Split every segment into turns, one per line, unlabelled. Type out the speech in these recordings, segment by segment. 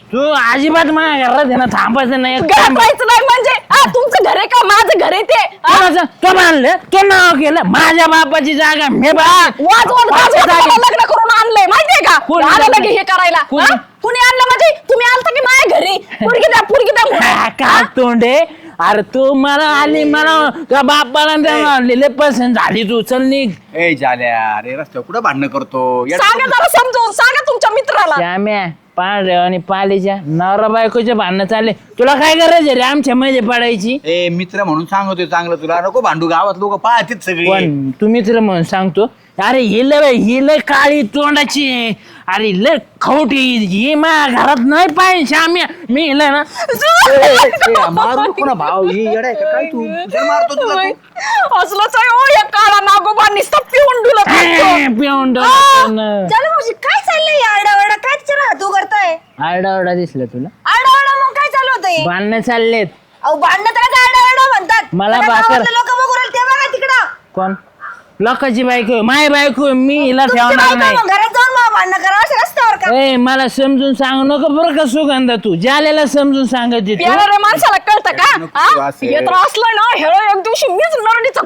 तू अजिबात माझ्या घरात आहे ना थांबायचं नाही.
घरात राहायचं नाही म्हणजे तुमचं घर आहे का माझं घर आहे ते
तो बांधलं तो नाव केलं माझ्या बापाची जागा मी
लग्न करून आणलंय माहितीये का
कोणी
आलं
आणलं?
लगे हे करायला
कोणी?
कुणी आणलं म्हणजे तुम्ही आलता की माझ्या घरी पुरगी द्या
का तोंडे अरे तू मला आली मला का बापाला आणलेले पसंत झाली तू चल निघ.
ए झाल्या अरे रस्त्यावर कुठं भांडणं करतो
सांगा जरा समजून सांगा तुमच्या मित्राला
श्याम्या पांढऱ्या आणि पालीच्या नवरा बायकोच्या भांडणं चालले तुला काय गरज आहे रे आमच्या मध्ये पडायची.
ए मित्र म्हणून सांगतोय चांगलं तुला नको भांडू गावात लोक पाहतील सगळी
पण तू मित्र म्हणून सांगतो अरे ही लय काळी तोंडाची आहे. अरे लय खवटी ही माझ्या घरात नाही पाहिजे श्याम्या मी हिला ना
मारू नको ना भाऊ ही येडा आहे का काय तू कुठे मारतो तुला तू?
असलंच आहे हो या काळा नागोबा नुसतं पिऊन डुलत असतो.
पिऊन
चल भाऊजी काय चाललंय आरडाओरडा काय चला तू करताय
आरडाओरडा दिसला तुला
आरडाओरडा मग काय चालू होतंय
भांडणं चाललेत.
अहो भांडणं त्याला आरडाओरडा म्हणतात
मला भाकर-
लोक बघू राहिले ते बघा तिकडं
कोण लोकांची बायको माय बायको मी हिला
तुमची
ठेवणार
बायको
नाही.
मग घरात जाऊन मग भांडणं करा असं रस्त्यावर का
ए मला समजून सांगू नको बरं का सुगंधा तू ज्याला समजून सांगत तू
येणाऱ्या माणसाला कळतं का
नको
हा?
तू असं.
हे तर असलं ना हे एक दिवशी मीच नरडीचा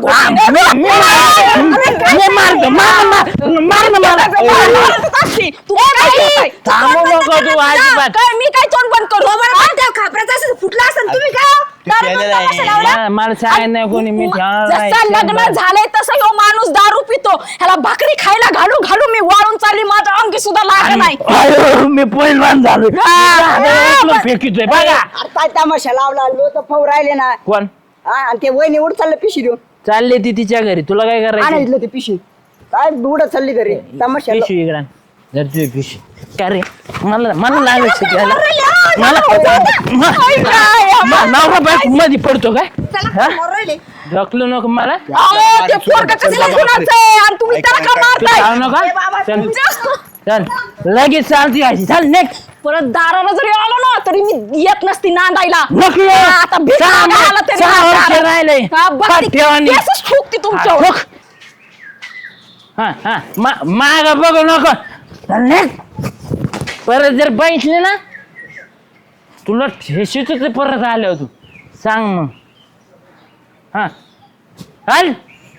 थांबू नको तू अजिबात.
काय मी काय तोंड बंद करू
खापराचा असं फुटला असेल तुम्ही काय हो?
ते
दारू
प्यायलेलं
पिऊन
आहे.
तमाशा लावला?
मला सांगायचं नाही कोणी मी ठेवणार
जसं लग्न
नाही.
झालंय तसं ह्यो माणूस दारू पितो ह्याला भाकरी खायला घालू घालू मी वाळून चालली माझ्या अंगी सुद्धा लाग नाही
अयो, मी पहिलवान झालो फेकितोय बघा
अरे काय तमाशा लावला लोक फौ राहिले ना
कोण
हा, आणि ते वय निवड चाललं पिशी देऊन
चालले ती तिच्या घरी तुला काय करायचं
आणायचं ते पिशी काय उडत चालली घरी तमाशा
पिशवी इकडं जर तुझी पिशवी का रे मला मला लागलं शिकायला मला नवरा बायको मध्ये पडतो काय हा? ढकलू नको मला
अहो, ते पोरगं कसलं गुणाचं आहे आणि तुम्ही त्याला का
तू
मारताय
जाऊ नका चल चल लगेच चालती यायची चल नेक्स्ट
परत दाराला जरी आलो ना तरी मी येत नसती नांदायला
नको
हा, आता भीक मागायला तरी
सहा वर्ष
दारात.
राहिले
हा, बघ ती
ठेवानी
केसच ठोकते तुमच्यावर.
हा हा माग बघू नको चल नेक्स्ट परत जर बघितले ना तुला ठेशीच परत आल्यावर तू सांग मग हा चाल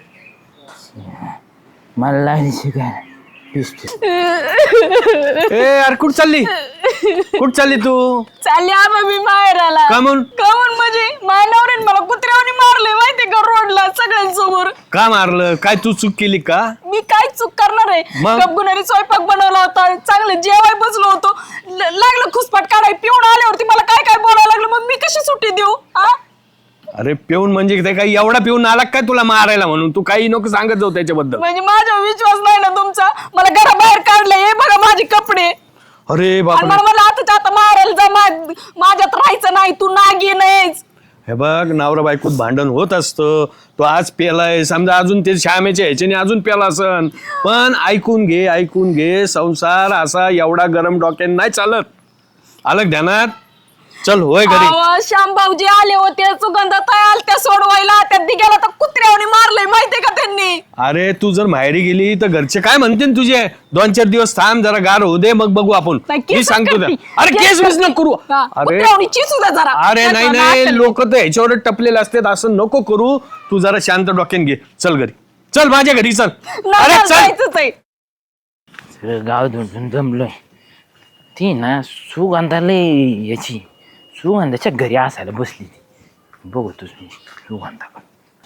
मला लागली शिकायला पिस्तूल.
ए यार कुठ चालली कुठ चालली तू
चालली आबा मी माहेराला
का म्हणून?
कामून म्हणजे माझ्या नवऱ्याने मला कुत्र्यावनी मारले माहितीये का रोडला सगळ्यांसमोर
का मारलं काय तू चूक केली का
मी काय चूक करणार आहे
मग?
गपगुणारी स्वयंपाक बनवला होता चांगलं जेवाय बसलो होतो लागलं खुसपाट काढाय पिऊन आल्यावरती मला काय काय बोलायला लागलं मग मी कशी सुट्टी देऊ हा
अरे पिऊन म्हणजे ते काही एवढा पिऊन आला काय तुला मारायला म्हणून तू काही नको सांगत जाऊ त्याच्याबद्दल
म्हणजे माझा विश्वास नाही ना तुमचा मला घराबाहेर काढलं हे बघा माझे कपडे
अरे
आणि
बापरे
मला मला आता मारायला जा माझ्यात राहायचं नाही तू नागी नाहीच
हे बघ नवरा बायकोत भांडण होत असतं तो आज पेलाय समजा अजून ते श्यामेच्या ह्याच्याने अजून पेला असन पण ऐकून घे संसार असा एवढा गरम डोक्याने नाही चालत आलं ध्यानात चल होय घरी
श्याम भाऊजी आले होते सुगंधा तयाल त्या सोडवायला त्या दिग्याला तर कुत्र्यावनी मारलंय माहितीये का त्यांनी
अरे तू जर माहेरी गेली तर घरचे काय म्हणतील तुझे 2-4 दिवस थांब जरा गार होऊ दे मग बघू आपण
नाही,
मी
केसच
सांगतो त्या.
करती.
अरे केस बिस नको करू
हा,
अरे
कुत्र्यावनी चिसू द्या जरा
अरे नाही नाही लोक तर ह्याच्यावर टपलेले असतात असं नको करू तू जरा शांत डोक्यान घे चल घरी चल माझ्या घरी चल अरे चल
जायचंच आहे
सगळं गाव धुंडून जमलोय ती ना सुगंधाला याची सुगंधाच्या घरी असायला बसली ती बघतोच मी सुगंधा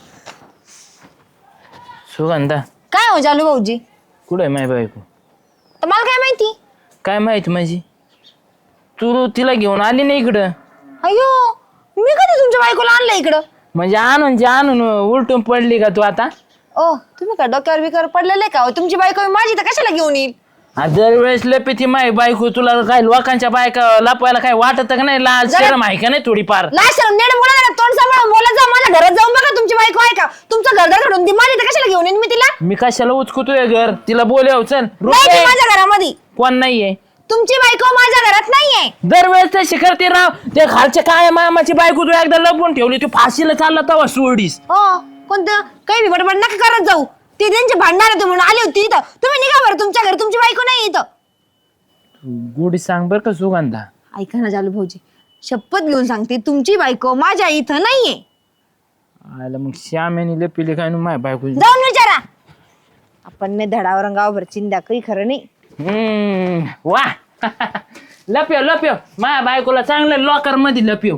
सुगंधा
काय हो जालू भाऊजी
कुठं आहे माय बायको
तर मला काय माहिती
काय माहिती माझी तू तिला घेऊन आली नाही इकडं
अयो मी कधी तुमच्या बायकोला आणलं इकडं
म्हणजे आणून उलटून पडली का तू आता
ओ तुम्ही का डोक्यावर बिकर पडलेले का हो? तुमची बायको माझी तर कशाला घेऊन येईल
दरवेळेस लपी माय बायको तुला काय लोकांच्या बायका लपवायला काय वाटत का नाही लाज शरम आहे का नाही थोडीफार
लास्ट नेट बोला ना तोंड सांभाळून बोला जा माझ्या घरात जाऊन बघा तुमची बायको आहे का तुमचं घर घडून ती माझी तर कशाला घेऊन येईन मी तिला
मी कशाला उचकुतोय घर तिला बोलव चल
नाही ती
रुपये
माझ्या घरामध्ये
कोण नाहीये
तुमची बायको माझ्या घरात नाहीये
दरवेळेस तशी करते राव ते खालच्या काय मामाची बायको तू एकदा लपवून ठेवली तू फाशीला चालला तवा सोडीस
हो कोणतं काही बी बडबड नका करत जाऊ ती त्यांची भांडणार होती म्हणून आली होती इथं तुम्ही निघा बरं तुमच्या घरी तुमची बायको नाही इथं
गोडी सांग बर का सुगंधा
ऐका ना जालू भाऊजी, शपथ घेऊन सांगते तुमची बायको माझ्या इथं नाहीये.
आला मग श्यामेने लपिले काय माझ्या बायको.
जाऊन विचारा. आपण नाही धडावर गावभर चिंध्या काही खरं नाही.
वा लपिव लपिव माझ्या बायकोला चांगलं लॉकर मध्ये लपिव.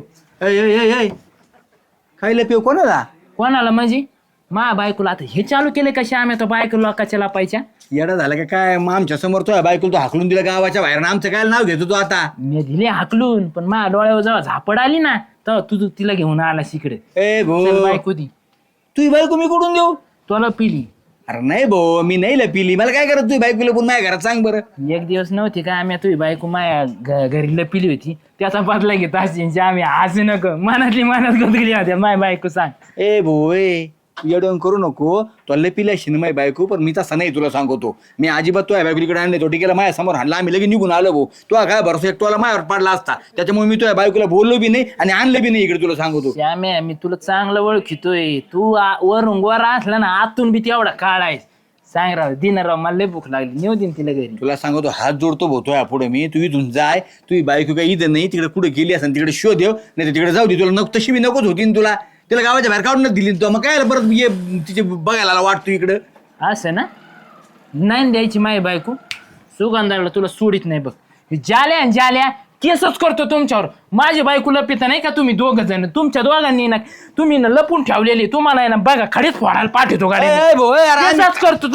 काय लपिव कोणाला?
कोणाला म्हणजे माझ्या बायकोला. आता हे चालू केले का श्यामे तो बायको लोकाच्या लपायच्या.
येडा झाला का काय? मग आमच्या समोर तो बायकोला तो हाकलून दिला गावाच्या बाहेर, आमचं काय नाव घेतो तो आता?
मी दिले हाकलून, पण माझ्या डोळ्यावर जेव्हा झापड आली ना तेव्हा तू तिला घेऊन आला इकडे.
ए भो,
बायको दी
तुझी बायको मी कुठून देऊ?
तुला पिली.
अरे नाही भो, मी नाही लपिली. मला काय करत तुझी बायको लपून माझ्या घरात? सांग बरं.
एक दिवस नव्हती का आम्ही तुझी बायको माझ्या घरी लपिली होती, त्याचा बदला घेत असे आम्ही हसू नको. मनातली मनात गुंतली होत्या माझ्या बायको. सांग
ए भो, येडवण करू नको. तो लपिला शिनमाई बायको, पण मी तसा नाही तुला सांगतो. मी अजिबात तो बायकोलीकडे आणले, तो टिकेला माझ्या समोर हाणला, आम्ही लगेच निघून आलो भाऊ. तो काय भरोसा एकटोला माझ्यावर पडला असता, त्याच्यामुळे मी तुझ्या बायकोला बोललो बी नाही आणि आणलं बी नाही इकडे. तुला सांगतो
श्याम्या, मी तुला चांगलं ओळखितोय. तू वरून गोरा असला ना आतून बी तेवढा काळ आहेस. सांग राव दिनराव, मला लय भूक लागली, नेऊ दिन तिला घरी.
तुला सांगतो, हात जोडतो भोतोय पुढे मी. तू इथून जाय, तुझी बायको काही इथं नाही, तिकडे कुठे गेली असेल तिकडे शोध देव, नाही तर तिकडे जाऊ दे. तुला नको तशी बी नकोच होती ना तुला. तिला गावाच्या बाहेर काढूनच दिली तो. मग काय परत ये तिचे बघायला वाटतो इकडं.
असं ना नाही द्यायची माझी बायको. सुगंधाला तुला सोडित नाही बघ. जाल्या जाल्या केसच करतो तुमच्यावर. माझी बायको लपिता नाही का तुम्ही दोघ जण. तुमच्या दोघांनी ना तुम्ही ना लपून ठेवलेली. तुम्हाला आहे ना बघा खडीच फोडायला पाठवतो गाडी. केसच करतो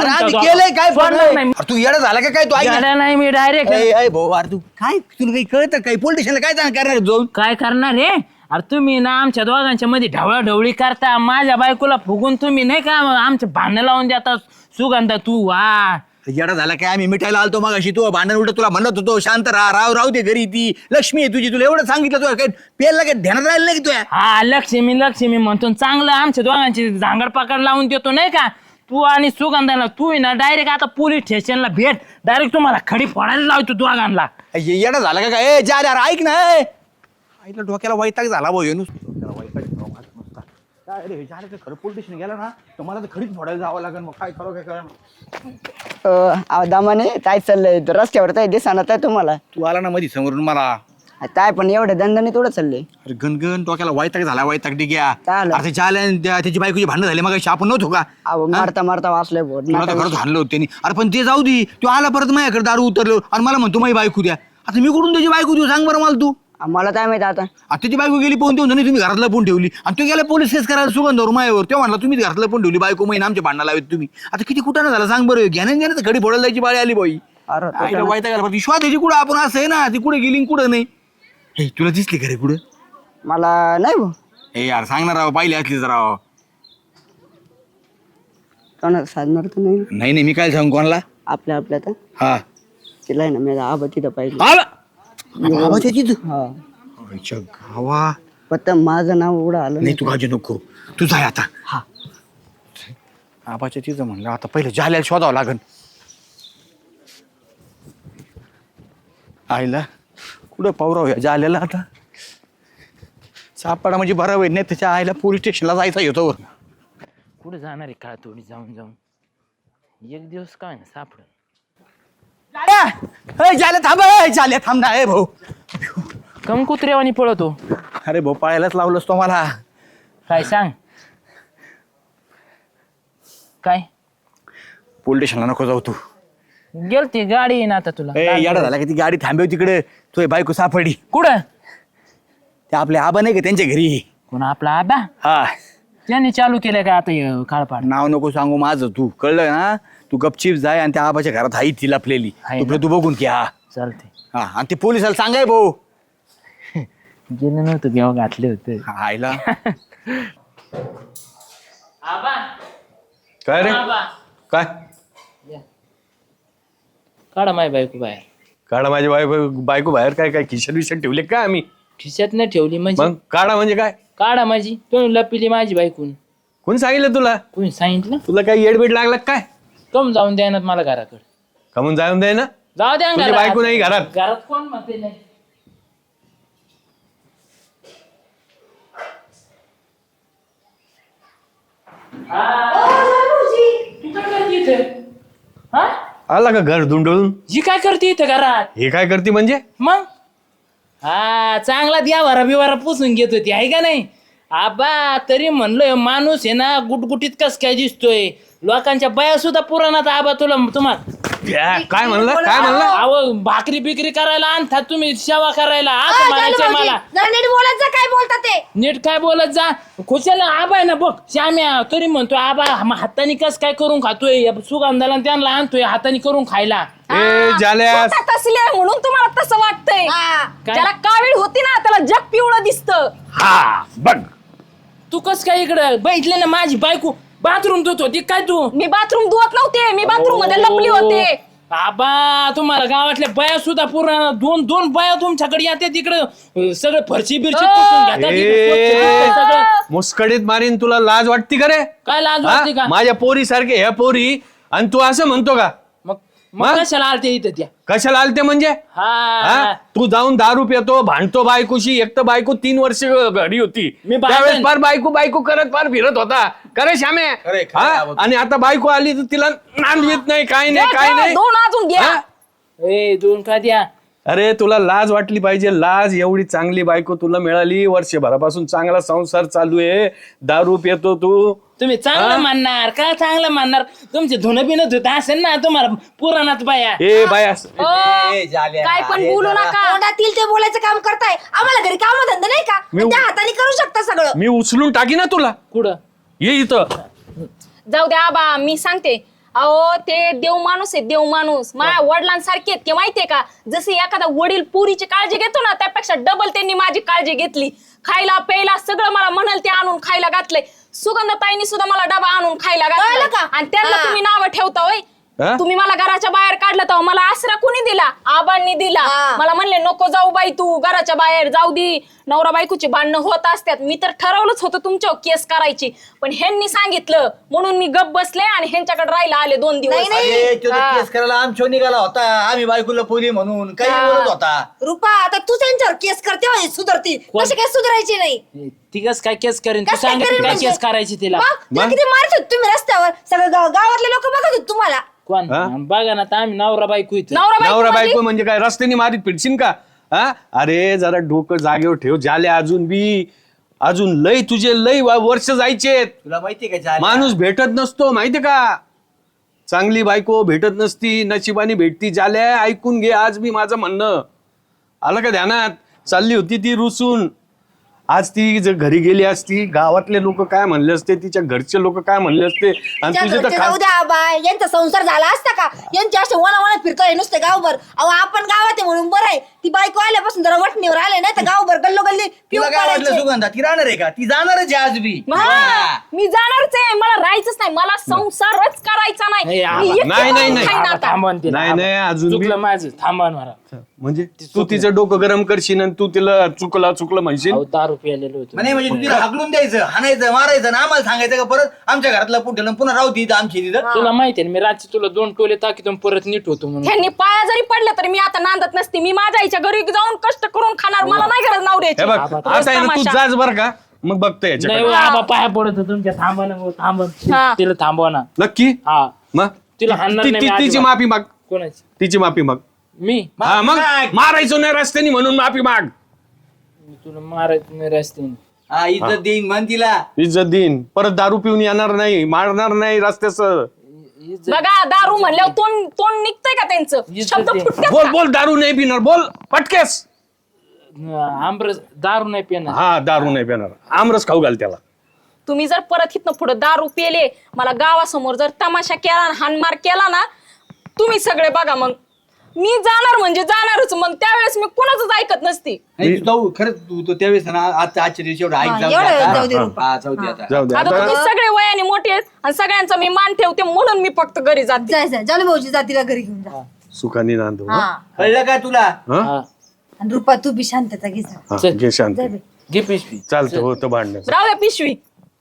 तू येडा झाला का काय? तू
गाड्या नाही मी डायरेक्ट.
तू काय, तुला काही कळतं काय? पोलीस स्टेशनला काय करणार जाऊन?
काय करणार रे? अरे तुम्ही ना आमच्या दोघांच्या मध्ये ढवळाढवळी करता. माझ्या बायकोला फुगून तुम्ही नाही का आमचे भांडण लावून देता. सुगंधा तू वा
येडा झाला काय? आम्ही मिठायला आलतो मग अशी. तू भांडण उलट तुला म्हणत होतो शांत राहू दे घरी. ती लक्ष्मी आहे तुझी. तुला एवढं सांगितलं तुला काय पेरला काय ध्यानात राहिलं नाही की तुया?
हा लक्ष्मी म्हणतो. चांगलं आमच्या दोघांची झांगड पकड लावून देतो नाही का. तू आणि सुगंधाला तू ना डायरेक्ट आता पोलीस स्टेशनला भेट. डायरेक्ट तुम्हाला खडी फोडायला लावतो दोघांना.
येडा झाला का काय? जा यार, ऐक ना. आईला डोक्याला वैताग झाला भाऊ. खरं पोलीस स्टेशन गेला ना तर मला तर खडीच फोडायला जावं लागेल. मग काय करू काय करा.
दामाने काय चाललंय रस्त्यावर काय दिसणार आहे तुम्हाला?
तू आला ना मध्ये समोरून मला.
काय पण एवढ्या दंडाने थोडं चाललंय.
अरे गणगण डोक्याला वैताग झाला. वैताग डिग्या.
काय झालं?
अरे त्याची बायकोची भांडण झाली मग आपण नव्हतो का?
मारता मारता वाचलंय
तुला तर खरंच हाणलं होतं त्यांनी. अरे पण ते जाऊ दे. तू आला परत माझ्याकडे दारू उतरलो आणि मला म्हणतो माझी बायको द्या. आता मी कुठून त्याची बायको देऊ? सांग बरं मला तू.
मला काय माहिती आता.
त्याची बायको गेली पोहून देऊन तुम्ही घरातला पण ठेवली आणि तो गेला पोलीस केस करायला सुगंधावर मायावर. तेव्हा म्हणला तुम्ही घरातला पण ठेवली बायको. महिना आमच्या भांडणा लावत तुम्ही. आता किती कुठं झाला सांग बरं. घेण्यात घडी फोडायला जायची बाळी आली बाई.
अरे
वैताग विश्वास द्यायची कुठं आपण असं आहे ना. ती कुठे गेली कुठं नाही. हे तुला दिसली खरे कुठं?
मला नाही भाऊ.
हे यार सांगणार राव, पाहिली असली जरा.
कोणाला साधणार तर नाही.
नाही मी काय सांगू कोणाला?
आपल्या तर
हा
तिला आहे ना मी आबा तिथं पाहिजे. हा
गावा
फक्त माझं नाव एवढं आलं
नाही. तू काळजी नको. तू जाय आता. हा आबाच्या तिथं म्हणलं आता पहिलं जाल्याला शोधावं लागन. आईला कुठं पावराव या जाल्याला आता. सापडा म्हणजे बरं होईल. नाही त्याच्या आईला पोलीस स्टेशनला जायचा येतो.
कुठे जाणार आहे काळ थोडी जाऊन जाऊन. एक दिवस काय ना सापड.
जाल्या थांब. जाल्या थांब ना. भाऊ
कम कुत्र्यावानी पळतो.
अरे भाऊ पाळायलाच लावलंस तो मला.
काय सांग. काय
पोलीस स्टेशनला नको जाऊ तू.
गेलती गाडी येईन आता तुला.
येडा झाला की ती गाडी थांबव तिकडे. तो बायको सापडली.
कुठं?
ते आपले आबा नाही का त्यांच्या घरी.
कोण आपला आबा?
हा
त्यांनी चालू केलं का आता काळपाड?
नाव नको सांगू माझं. तू कळलं ना. तू गपचीप जाय आणि त्या आबाच्या घरात आई ती लपलेली. तू बघून की. हा
चालते.
हा आणि ते पोलिसाला सांगाय भाऊ.
गेलं नव्हतं केव्हा घातले होते.
आईला
आबा
काय रे?
आबा
काय
काढा माय बायको बाहेर.
काढा माझी बायको बाहेर? काय काय खिशात विषात ठेवले काय आम्ही?
खिशात नाही ठेवली म्हणजे?
मग काढा म्हणजे काय?
काढा माझी. तुम्ही लपिली माझी बायकून.
कोण सांगितलं तुला?
कोणी सांगितलं?
तुला काय येडबीड लागला काय?
कम जाऊन द्या ना मला घराकडे.
कमून जाऊन द्याय ना.
जाऊ द्या
तुझी बायको नाही घरात.
घरात कोण म्हणते नाही.
आला का घर धुंडळून?
ही काय करते इथं घरात?
हे काय करते म्हणजे?
मग हा चांगला द्यावारा बिवारा पुसून घेत होती आहे का नाही आबा तरी म्हणलं माणूस आहे ना गुटगुटीत कस काय दिसतोय लोकांच्या बाया सुद्धा पुराणात आबा तुम्हाला
काय म्हणलं काय म्हणलं
अहो भाकरी बिकरी करायला आणतात तुम्ही सेवा करायला असं म्हणायचंय मला
जरा नीट बोलत जा, काय बोलता ते.
नीट काय बोलत जा खुशाला आबा आहे ना बघ श्याम्या तरी म्हणतोय आबा हाताने कस काय करून खातोय सुगंधाला त्यांना आणतोय हाताने करून खायला
ए जाल्या
स्वतः तसली आहे म्हणून तुम्हाला तसं वाटतंय
हा.
काय?
ज्याला कावीळ होती ना त्याला जग पिवळं दिसतं.
हा बघ
तू कस काय इकडे बैठले ना माझी बायको बाथरूम धुत होती काय तू
मी बाथरूम धुवत नव्हते, मी बाथरूम मध्ये लपली होते.
आबा तुम्हाला गावातल्या बाया सुद्धा पूर्ण दोन बाया तुमच्याकडे येते तिकडे सगळं फरशी बिरशी पुसून घेतात इकडं स्वच्छ दिसतंय सगळं.
मुस्कडीत मारीन तुला लाज वाटती का रे
काय लाज
हा?
वाटते का
माझ्या पोरी सारखे ह्या पोरी आणि तू असं म्हणतो का
मग
मग?
मग कशाला आलते इथं त्या
कशाला आलते म्हणजे
हा
हा? तू जाऊन दारू पितो भांडतो बायकोशी एक तर बायको 3 वर्ष घरी होती
मी भांडण.
त्यावेळेस फार बायको करत फार फिरत होता करे श्यामे
खरंय,
हा?
आबा.
आणि आता बायको आली तर तिला नांदवीत नाही काय नाही काय नाही
दोन अजून घ्या.
हा?
ए दोन का द्या
अरे तुला लाज वाटली पाहिजे लाज एवढी चांगली बायको तुला मिळाली वर्षभरापासून चांगला संसार चालू आहे दारू पितो तू
तुम्ही चांगलं मानणार काय चांगलं मानणार तुमचे धुणं बिन धुत असेल ना तुम्हाला पुराणात बाया
ए बाया
ए, जाल्या,
काय पण
अरे
बोलू
जरा.
नका.
तोंडातील ते बोलायचं काम करताय, आम्हाला घरी काम धंदा नाही का?
मी-
त्या हाताने करू शकता सगळं.
मी उचलून टाकी ना तुला
कुठं
ये इथं
जाऊ द्या आबा मी सांगते अहो ते देव माणूस आहे देव माणूस माझ्या वडिलांसारखे आहेत ते माहितीये का जसे एखादा वडील पुरीची काळजी घेतो ना त्यापेक्षा डबल त्यांनी माझी काळजी घेतली खायला प्यायला सगळं मला म्हणाल ते आणून खायला घातलंय सुगंधताईंनी सुद्धा मला डबा आणून खायला
कळलं
घातला
का?
आणि त्यांना
हा.
तुम्ही नावं ठेवता होय
हा?
तुम्ही मला घराच्या बाहेर काढलं तेव्हा मला आसरा कोणी दिला आबांनी दिला
हा.
मला म्हणले नको जाऊ बाई तू घराच्या बाहेर जाऊ दे नवरा बायकोची भांडणं होत असतात मी तर ठरवलंच होतं तुमच्यावर केस करायची पण ह्यांनी सांगितलं म्हणून मी गप बसले आणि ह्यांच्याकडे राहायला आले 2 दिवस
नाही,
अरे, तो
हा.
केस करायला आमच्या निघाला होता आम्ही बायकोला पोरी म्हणून काही
हा.
बोलत होता
रुपा आता तू त्यांच्यावर केस करते म्हणजे सुधरती
कोण?
कशी काय सुधारायची नाही.
ती कस काय केस करेन तू
कसं काय
सांग
करेन
काय
म्हणजे?
केस करायची तिला
मग तिला किती मारत होते तुम्ही रस्त्यावर सगळं गावातले लोक बघत होते तुम्हाला.
कोण
हा?
बघा ना आता आम्ही नवरा बायको इथं
नवरा
नवरा
बायको
बायको म्हणजे काय रस्त्याने मारीत फिरशील का हा अरे जरा डोकं जागेवर ठेव झाले अजून लय तुझे लय वर्ष जायचे
तुला माहितीये का जाल्या?
माणूस भेटत नसतो माहितीये का चांगली बायको भेटत नसती नशिबाने भेटती झाल्या ऐकून घे आज मी माझं म्हणणं आलं का ध्यानात चालली होती ती रुसून आज ती जर घरी गेली असती गावातले लोक काय म्हणले असते तिच्या घरचे लोक काय म्हणले असते आणि
त्या
तुझे तर
घरचे
खास
जाऊ द्या बाय यांचा संसार झाला असता का यांचे असे वना फिरतोय नुसते गावभर अहो आपण गावात आहे म्हणून बरं आहे ती बायको आल्यापासून जरा वटणीवर आले नाही तर गावभर गल्लोगल्ली
तुला
पिऊन
काय वाटलं
पडायचे.
सुगंधा ती राहणार आहे का ती जाणारच आहे आज बी
हा, मी जाणारच आहे मला राहायचंच नाही मला संसारच करायचा नाही
हे
मी एकटी
नाही, नाही,
राहून
नाही.
खाईन
आबा,
आता.
थांबवा ना तिला,
नाही,
आबा.
नाही, अजून बी-
चुकलं माझं थांबा ना मला.
म्हणजे तू तिचं डोकं गरम करशील आणि तू तिला चुकलं म्हणशील
अहो, दारू प्यायलेलो होतो
म्हणे म्हणजे तू तिला हाकलून द्यायचं हाणायचं मारायचं ना आम्हाला सांगायचं का परत आमच्या घरातला पुढे पुन्हा राहू ती आमची तिथं
तुला माहिती आहे ना, मी रात्री तुला 2 टोले टाकीतून परत नीट होतो म्हणून
ह्यांनी पाया जरी पडले तरी मी आता नांदत नसते मी माझ्या आईच्या घरी जाऊन कष्ट करून खाणार मला नाही गरज
हे
नवऱ्याची
बघ
आबा,
आता आहे ना तू
तमाशा.
जाच बर का मग बघतो
नाही
याच्याकडे
हो, आबा पाया पडत होतो तुमच्या थांबा ना भाऊ, थांबा
हा.
तिला थांबवा ना
नक्की
हा
मग
तिला हाणणार नाही मी
तिची
अजिबात.
माफी माग
कोणाची
तिची माफी माग
मी
हा मग मारायचो नाही रस्त्याने म्हणून माफी माग
मी तुला मारायचं नाही रस्त्याने
हा इज्जत देईन म्हण तिला
इज्जत देईन परत दारू पिऊन येणार नाही मारणार नाही रस्त्याचं
इज्जत-
बघा दारू म्हणल्यावर तोंड तोंड निघतंय का त्यांचं
इज्जत
शब्द
दे.
फुटतात
बोल बोल दारू नाही पिणार बोल पटकेस
आमरस दारू नाही पिणार
हा दारू नाही पिणार आमरस खाऊ घाल त्याला
तुम्ही जर परत इथनं पुढे दारू पेले मला गावासमोर जर तमाशा केला ना, हाणमार केला ना तुम्ही सगळे बघा मग मी जाणार म्हणजे जाणारच मग त्यावेळेस मी कोणाच ऐकत नसती
नाही, तू जाऊ खरंच तू त्यावेळेस ना आजच्या दिवशी एवढं ऐक
हा,
जाऊ दे
एवढं
आता.
जाऊ दे रुपा.
हा, जाऊ दे आता
जाऊ दे
आता
आता
तुम्ही सगळे वयाने मोठे आहेत आणि सगळ्यांचा मी मान ठेवते म्हणून मी फक्त घरी जाते
जायचं जाऊ भाऊजी जातीला घरी घेऊन जा.
सुखाने नांदू
हा
कळलं का तुला
हा
हा.
आणि रुपा तू बी शांतता घे जा.
हा,
चल.
घे शांत
जा बे.
घे पिशवी
चालतं होतं भांडण
राहू द्या पिशवी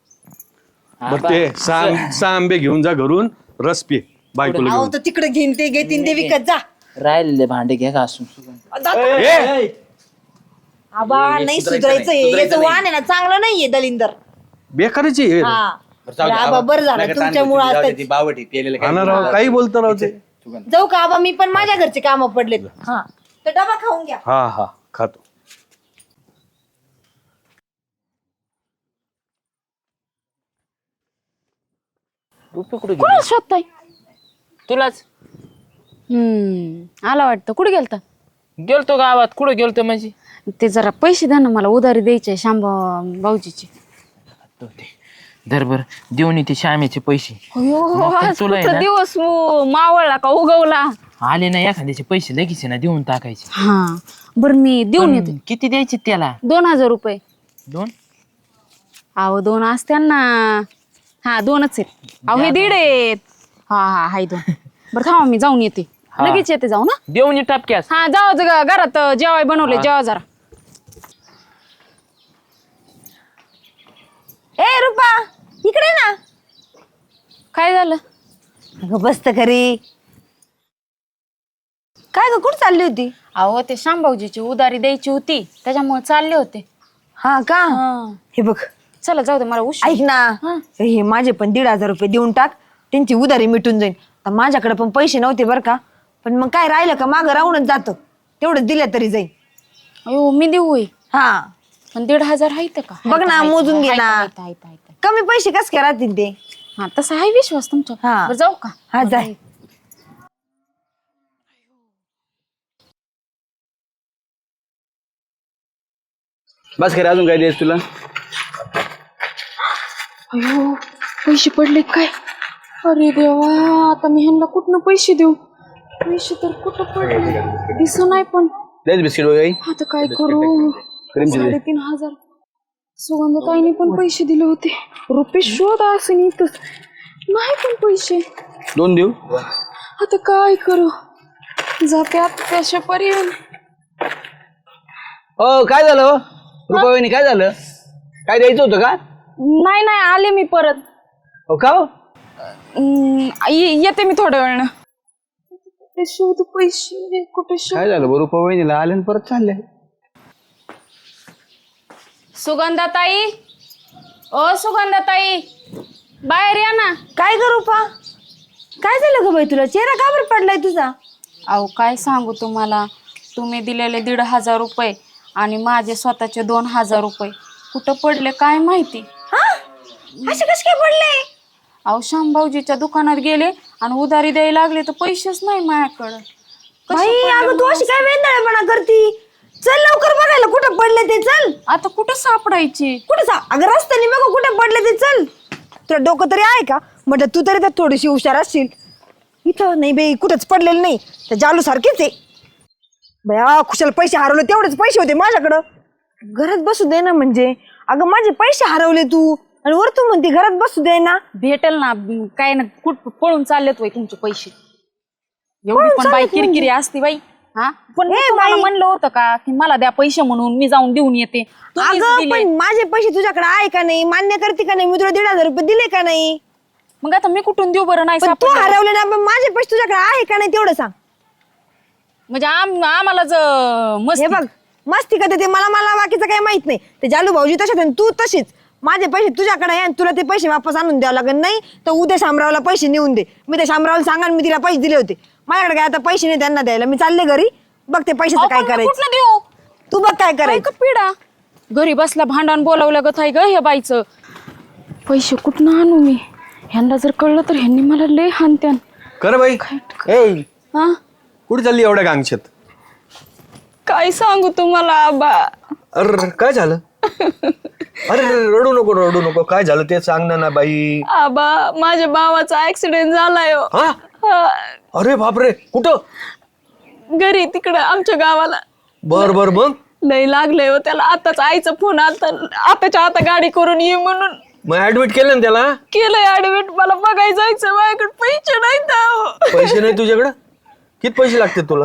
बरं ते सहा आंबे घेऊन जा घरून रस पे बायकोला
अहो
घेऊन
तर तिकडे घेईन ते घेतीन ते विकत जा
राहिलेले भांडे घे घासून
ए,
आबा नाही
सुधारायचं
सुधारायचं
नाही,
याचं
सुधारायचं
वाण आहे ना चांगलं नाहीये दलिंदर
बेकाराची आहे.
हा
बरं, जाऊ दे,
आबा
आबा.
बरं झालं
नका ताण
तुमच्यामुळे
घेऊ, जाऊ दे,
आता
ती बावट आहे, पेलेलं काही
हा ना
बोलू
राव
नका.
काही बोलतो राव ते
सुगंध.
जाऊ का आबा मी पण माझ्या घरचे काम पडलेत हा तर डबा खाऊन घ्या
हा हा खातो
रुपये कुठे
कुणाला
गेले
शोधताय?
तुलाच
आला वाटतं. कुठे गेलता?
गेलतो गावात. कुठं गेलतो म्हणजे
ते जरा पैसे द्या ना, मला उधारी द्यायचे शांबा भाऊजीचे.
धर बर देऊन येते श्यामेचे पैसे. मग पण
आज
तुला आहे
कुठं
ना?
दिवस मावळला का उगवला?
आले ना एखाद्याचे पैसे लगेच आहे ना देऊन टाकायचे.
हा बरं मी देऊन येते.
पण किती द्यायचे त्याला?
2000 रुपये.
2?
अहो 2 असत्या ना. हा 2च आहेत. अहो हे 1.5 आहेत. हा हाय 2. बरं थांबा मी जाऊन येते.
हा.
लगेच येते जाऊ ना.
देऊन ये टापक्यास.
हा जाऊ घरात जेवाय बनवले. जेवा जरा.
ए रुपा इकडे ना.
काय झालं?
अगं बसत घरी. काय ग कुठं चालली होती?
अहो ते शांभाऊजीची उधारी द्यायची होती, त्याच्यामुळे चालले होते.
हा का? हे बघ
चला जाऊ दे, मला उशीर.
ऐक ना, हे माझे पण 1,500 रुपये देऊन टाक. त्यांची उधारी मिटून जाईल. आता माझ्याकडे पण पैसे नव्हते बरं का, पण मग काय राहिलं का मागं राहूनच जातं. तेवढं दिलं तरी जाईल.
अयो मी देऊ होय.
हा
पण 1,500 आहेत का?
बघ ना, मोजून घे ना.
आहेत.
कमी पैसे कस काय राहतील ते?
हा तसा आहे विश्वास तुमचा.
हा.
बरं जाऊ का?
हा जाय.
बस खरे अजून काय द्यायच तुला?
अयो पैसे पडले काय? अरे देवा, आता मी ह्यांना कुठनं पैसे देऊ? पैसे तर कुठं पडले दिस नाही. पण
द्यायच बिस्किट वगैरे?
आता काय करू? 3,500 सुगंधताईने पण पैसे दिले होते. रुपये शोध असं इथंच नाही पण पैसे.
2 देऊ?
आता काय करू? जाते आता त्याच्यापर्यंत.
हो काय झालं हो? रुपाबाईनी काय झालं? काय द्यायचं होतं का?
नाही आले मी परत.
हो का हो?
येते मी थोड्या वेळानं. कुठे शोध पैसे? कुठे शोध?
काय झालं बरं रुपाबाईनीला? आले आणि परत चालले.
सुगंधाताई, ओ सुगंधाताई, बाहेर या ना.
काय ग रुपा? काय झालं ग बाई तुला? चेहरा का बरं पडलाय तुझा?
अहो काय सांगू तुम्हाला, तुम्ही दिलेले 1,500 रुपये आणि माझे स्वतःचे 2,000 रुपये कुठं पडले काय माहिती.
हा असे कस काय पडले?
अहो शामभाऊजीच्या दुकानात गेले आणि उधारी द्यायला लागले तर पैसेच नाही माझ्याकडं.
बाई अगं तू अशी काय वेंदळेपणा करती? चल लवकर बघायला कुठं पडले ते. चल.
आता कुठं सापडायचे?
कुठं अगं रस्त्याने बघू कुठे पडले ते. चल. तुला डोकं तरी आहे का? म्हटलं तू तरी त्यात थोडीशी हुशार असशील. इथं नाही बाई, कुठंच पडलेलं नाही. त्या जालू सारखेच आहे बया. खुशाल पैसे हरवले, तेवढेच पैसे होते माझ्याकडं. घरात बसू दे ना. म्हणजे अगं माझे पैसे हरवले तू, आणि वर तू म्हणते घरात बसू दे ना.
भेटेल ना. काय ना कुठ पळून चाललेत वय तुमचे पैसे? एवढी पण बाई किरकिरी असते बाई. हा पण मी तुम्हाला म्हणलं होतं का की मला द्या पैसे म्हणून मी जाऊन देऊन येते? तुम्हीच
अगं
दिले.
पण माझे पैसे तुझ्याकडे आहे का नाही? मान्य करते का नाही? मी तुला 1,500 रुपये दिले का नाही?
मग आता मी कुठून देऊ बरं? नाही
पण तू
सापडलं.
हरवले ना, पण माझे पैसे तुझ्याकडे आहे का नाही तेवढं सांग.
म्हणजे आम्हाला
हे बघ मस्ती करते ते. मला बाकीचं काही माहित नाही. ते जालू भाऊजी तसेच आणि तू तशीच. माझे पैसे तुझ्याकडे आहे आणि तुला ते पैसे वापस आणून द्यावं लागेल. नाही तर उद्या शामरावला पैसे नेऊन दे. मी त्या शामरावला सांगा मी तिला पैसे दिले होते. माझ्याकडे काय आता पैसे नाही त्यांना द्यायला. मी चालले घरी. बघ ते पैशाचं काय करायचं.
कुठलं देऊ?
तू बघ काय
काय
करायचं.
का पिढा घरी बसला भांडण बोलावलं गं थाय ग हे बाईचं. पैसे कुठनं आणू मी? ह्यांना जर कळलं तर ह्यांनी मला लय हानत्यान.
कर बाई.
हा
कुठे चालली एवढ्या गांगशात?
काय सांगू तुम्हाला आबा?
अरे काय झालं? अरे रडू नको. काय झालं ते सांग ना बाई.
आबा माझ्या भावाचा ऍक्सिडेंट झालाय हो.
हा? अरे बापरे, कुठं?
घरी तिकडं आमच्या गावाला.
बर मग
लय लागलंय हो त्याला. आताच आईचा फोन आलता, आताच्या आता गाडी करून ये म्हणून.
मग ऍडमिट केलं ना त्याला?
केलंय ऍडमिट. मला बघायला जायचं, माझ्याकडे पैसे नाहीत.
पैसे नाही तुझ्याकडं? किती पैसे लागतात तुला?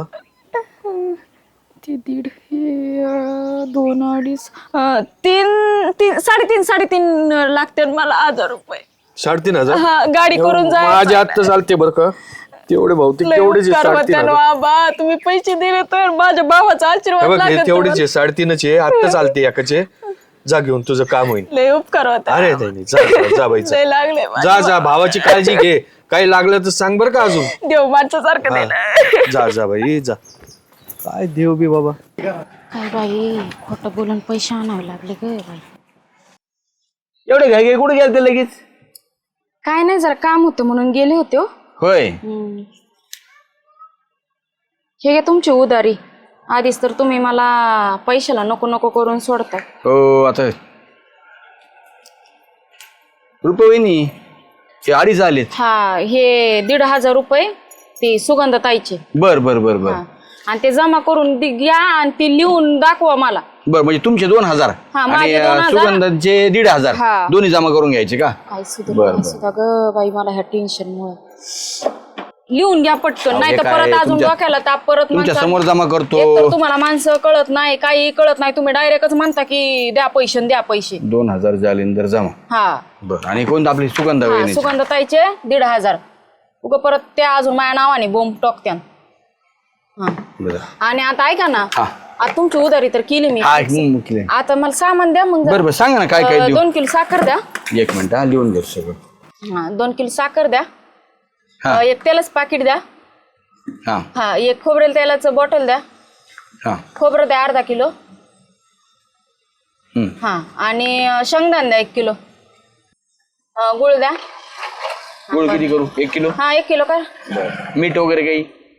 ते 1.5 2 2.5 3 3.5 लागते मला 1,000 रुपये.
3,500?
हा गाडी करून जाय.
माझ्या आत्ता चालते बरं का तेवढे भाऊतिक तेवढेच 3,500.
बाबा तुम्ही पैसे दिले तर माझ्या भावाचा आशीर्वाद लागेल.
तेवढेच आहे 3.5 आत्ता चालते एकाचे. जा घेऊन तुझं काम होईल.
लय उपकार होता.
अरे नाही जा बाई
लय लागले.
जा भावाची काळजी घे. काही लागलं तर सांग बरं का अजून.
देव माणसासारखं दिलं.
जा बाई जा. काय देव बी बाबा.
काय बाई खोटं बोलून पैसे आणावे लागले ग बाई.
एवढे घाई कुठे गेले ते लगेच?
काय नाही, जरा काम होतं म्हणून गेले होते हो.
होय
हे घ्या तुमची उधारी. आधीच तर तुम्ही मला पैशाला नको नको करून सोडताय.
हो आता रुपये हे 2.5 आलेत.
हा, हे 1,500 रुपये ते सुगंधताईचे.
बर बर बर बर
हा. आणि ते जमा करून घ्या आणि ते लिहून दाखवा मला.
बर म्हणजे तुमचे 2,000
हा,
आणि
माझे 2,000.
सुगंधाचे 1,500
हा.
दोन्ही जमा करून घ्यायचे का?
काय
बरं.
सुद्धा ग बाई, मला ह्या टेन्शन मुळे. लिहून घ्या पटकन, नाही तर
काय,
परत अजून
तुमच्या-
डोक्याला ताप. परत
तुमच्या
म्हणता-
समोर जमा करतो.
एकतर तुम्हाला माणसं कळत नाही, काही कळत नाही. तुम्ही डायरेक्टच म्हणता की द्या पैसे द्या पैसे.
2,000 जालिंदर जमा.
हा
बर आणि कोणतं आपली सुगंधा वहिनी?
सुगंधताईचे 1,500. उगा परत त्या अजून माझ्या नावाने बोंब टोकत्यान. हा.
बरं.
आणि आता ऐका ना,
हा.
आता तुमची उधारी तर केली मी.
हा मुकले.
आता मला सामान द्या मग.
बरं बरं सांगा ना काय काय देऊ.
2 किलो साखर द्या.
1 मिनिट लिहून घेऊ सगळं.
हा, 2 किलो साखर द्या.
हा.
1 तेलाचं पाकिट द्या.
हा
हा, 1 खोबरेल तेलाचं बॉटल द्या.
हा
खोबरं द्या 1/2 किलो.
हम्म.
हा, आणि शेंगदाणे द्या 1 किलो. गुळ द्या.
गुळ किती करू? 1 किलो.
हा, 1 किलो का?
बरं. मीठ वगैरे काही?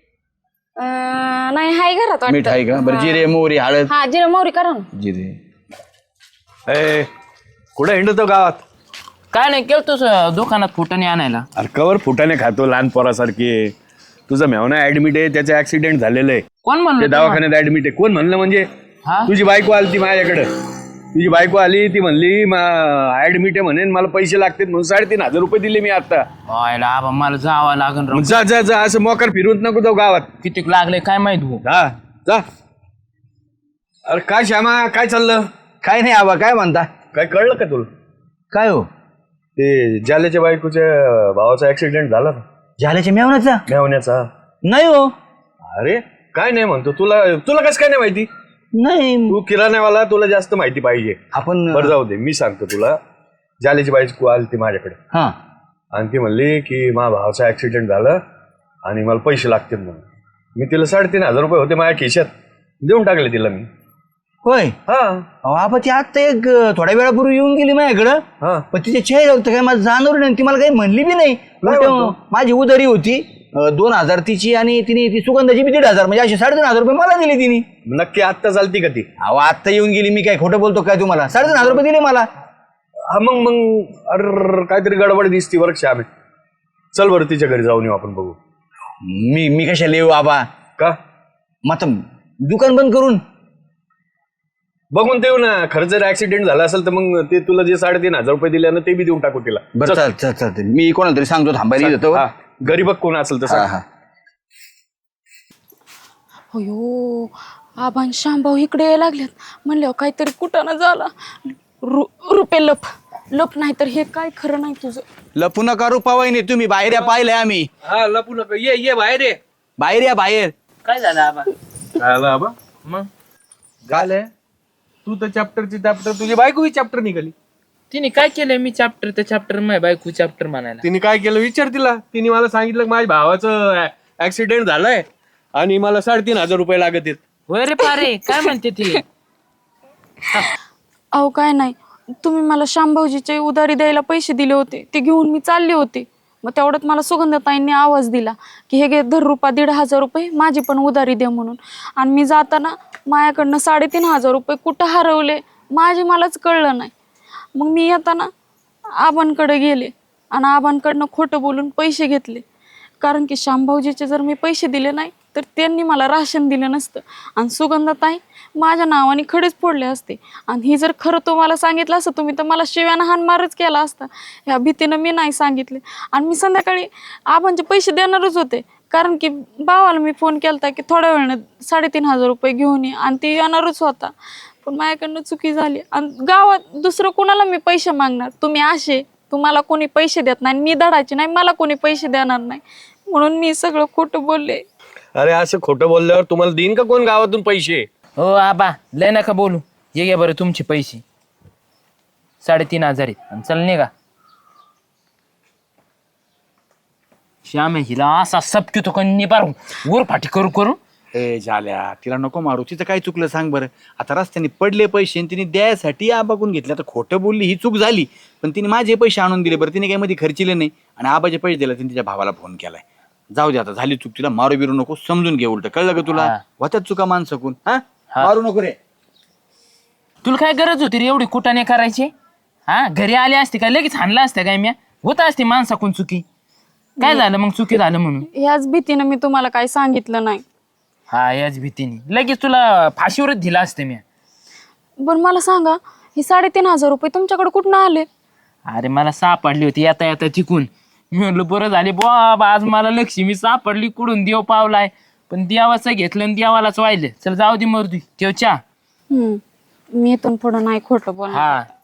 नाही, हाय घरात वाटतं.
मीठ आहे का? बरं जिरे मोहरी हळद.
हा, जिरे मोहरी करा ना.
जिरे.
ए कुठे हिंडतो गावात?
काय नाही केलं तू दुकानात फुटाने आणायला.
अरे कवर फुटाने खातो लहान पोरासारखी. तुझा मेवना ऍडमिट आहे, त्याचं ऍक्सिडेंट झालेलं आहे.
कोण
ते
म्हणलं?
दवाखान्यात ऍडमिट आहे. कोण म्हणलं म्हणजे?
हा?
तुझी बायको आली ती माझ्याकडे. तुझी बायको आली, ती म्हणली ऍडमिट आहे म्हणे, मला पैसे लागतात म्हणून 3,500 रुपये दिले मी आता.
व्हायला आबा मला जावं लागन राव.
मग जा जा जा, असं मोकार फिरवत नको जाऊ गावात.
किती लागले काय माहित भाऊ.
जा जा. अरे काय श्यामा, काय चाललं?
काय नाही आबा काय म्हणता?
काय कळलं का तुला?
काय हो?
ते जाल्याच्या बायकोच्या भावाचा ऍक्सिडेंट झाला ना,
झाल्याच्या मेवण्याचा?
मेवण्याचा.
नाही हो.
अरे काय नाही म्हणतो, तुला तुला कसं काय नाही माहिती?
नाही
तू किराण्यावाला, तुला जास्त माहिती पाहिजे.
आपण
बरं जाऊ दे, मी सांगतो तुला. जाल्याची बायको आली ती माझ्याकडे
हा
आणि ती म्हणली की माझ्या भावाचा ऍक्सिडेंट झालं आणि मला पैसे लागतील म्हणून. मी तिला 3,500 रुपये होते माझ्या खिशात, देऊन टाकले तिला मी.
होय.
हा
अहो, आबा ती आता थोड्या वेळापूर्वी येऊन गेली माझ्याकडं.
हा.
पण तिच्या चेहरा होतं काय मला जाणवलं नाही. ती मला काही म्हणली बी नाही.
म्हणतो?
माझी उधारी होती 2,000 तिची आणि तिने ती सुगंधाची बी 1,500 म्हणजे असे 3,500 रुपये मला दिले तिने.
नक्की आत्ता चालती का ती?
अहो आत्ता येऊन गेली. मी काय खोटं बोलतो काय तुम्हाला? 3,500 रुपये दिले मला.
हा मग अरे काहीतरी गडबड दिसती बरं श्यामे. चल बरं तिच्या घरी जाऊन येऊ आपण, बघू.
मी कशाला येऊ आबा?
का?
मग आता दुकान बंद करून
बघून देऊ ना. खरं जर ऍक्सिडेंट झाला असेल तर मग ते तुला जे 3,500 रुपये दिले ना, ते बी देऊन टाकू तिला.
बरं चालते. मी कोणाला तरी सांगतो थांबायला येतो.
हा, घरी बघ कोण असेल तसं.
हा.
अयो, आबान शांभाऊ इकडे यायला लागल्यात. म्हणलं काहीतरी कुठं ना झाला. रुपे लप नाही तर हे काय खरं नाही तुझं.
लपू नका रुपावाईने. तुम्ही बाहेर या, पाहिलंय आम्ही.
हा लपू नका, ये बाहेर ये.
बाहेर या बाहेर.
काय झालं आबा?
झालं आबा?
मग
झालंय. तू तर चॅप्टरची चॅप्टर, तुझी बायको ही चॅप्टर निघाली.
तिने काय केलंय? मी चॅप्टर ते चॅप्टर माझ्या बायको चॅप्टर म्हणायला.
तिने काय केलं विचार तिला. तिने मला सांगितलं की माझ्या भावाचं ऍक्सिडेंट झालंय आणि मला 3,500 रुपये लागत आहेत.
होय रे पारे, काय म्हणते ती?
अहो काय नाही, तुम्ही मला शांभाऊजीचे उधारी द्यायला पैसे दिले होते, ते घेऊन मी चालले होते. मग तेवढ्यात मला सुगंधताईंनी आवाज दिला की हे घे धर रुपा 1,500 रुपये, माझी पण उधारी द्या म्हणून. आणि मी जाताना माझ्याकडनं 3,500 रुपये कुठं हरवले माझे मलाच कळलं नाही. मग मी येताना आबांकडे गेले आणि आबांकडनं खोटं बोलून पैसे घेतले. कारण की शांभाऊजीचे जर मी पैसे दिले नाही तर त्यांनी मला राशन दिलं नसतं आणि सुगंधताई माझ्या नावाने खडेच फोडले असते. आणि ही जर खरं तुम्हाला सांगितलं असतं तुम्ही तर मला शिव्यानं हाणमारच केला असता. ह्या भीतीनं मी नाही सांगितले. आणि मी संध्याकाळी आबांचे पैसे देणारच होते, कारण की भावाला मी फोन केला की थोड्या वेळानं 3,500 रुपये घेऊन ये, आणि ती येणारच होता. पण माझ्याकडनं चुकी झाली. आणि गावात दुसरं कोणाला मी पैसे मागणार? तुम्ही असे, तुम्हाला कोणी पैसे देत नाही, मी धडाचे नाही, मला कोणी पैसे देणार नाही, म्हणून मी सगळं खोटं बोलले.
अरे असं खोटं बोलल्यावर तुम्हाला देईन का कोण गावातून पैसे?
हो आबा लय नका बोलू. ये घ्या बरं तुमचे पैसे 3,500 आहेत. आणि चल निघा. श्याम हिला असा सबकी तो निबार वर फाटी करू
ए झाल्या तिला नको मारू, तिचं काय चुकलं सांग बरं. आता रस्त्याने पडले पैसे आणि तिने द्यायसाठी आबाकून घेतले. आता खोटं बोलली ही चूक झाली, पण तिने माझे पैसे आणून दिले बरं, तिने काही मध्ये खर्चिले नाही आणि आबाचे पैसे दिले. तिने तिच्या भावाला फोन केलाय. जाऊ दे आता, झाली चूक, तिला मारू बिरू नको, समजून घे. उलट कळलं का तुला?
हा.
होत्यात चुका माणसाकून. हा मारू नको रे.
तुला काय गरज होती रे एवढी कुटाने करायची? हा घरी आले असते काय लगेच हाणला असत्या काय म्या? होत असते माणसाकून चुकी. काय झालं मग चुकी झालं म्हणून?
ह्याच भीतीनं मी तुम्हाला काही सांगितलं नाही.
हा याच भीतीने लगेच तुला फाशीवरच दिला असते मी.
बरं मला सांगा, हे 3,500 रुपये तुमच्याकडे कुठून आले?
अरे मला सापडली होती येता येता तिकून. मी म्हणलं बरं झाले बाबा, आज मला लक्ष्मी सापडली, कुठून देव पावलाय. पण देवाचं घेतलं आणि देवालाच वाहिलं. चल जाऊ दे मर्दी, ठेव चहा.
मी इथून पुढं नाही खोटं बोलणार.
हा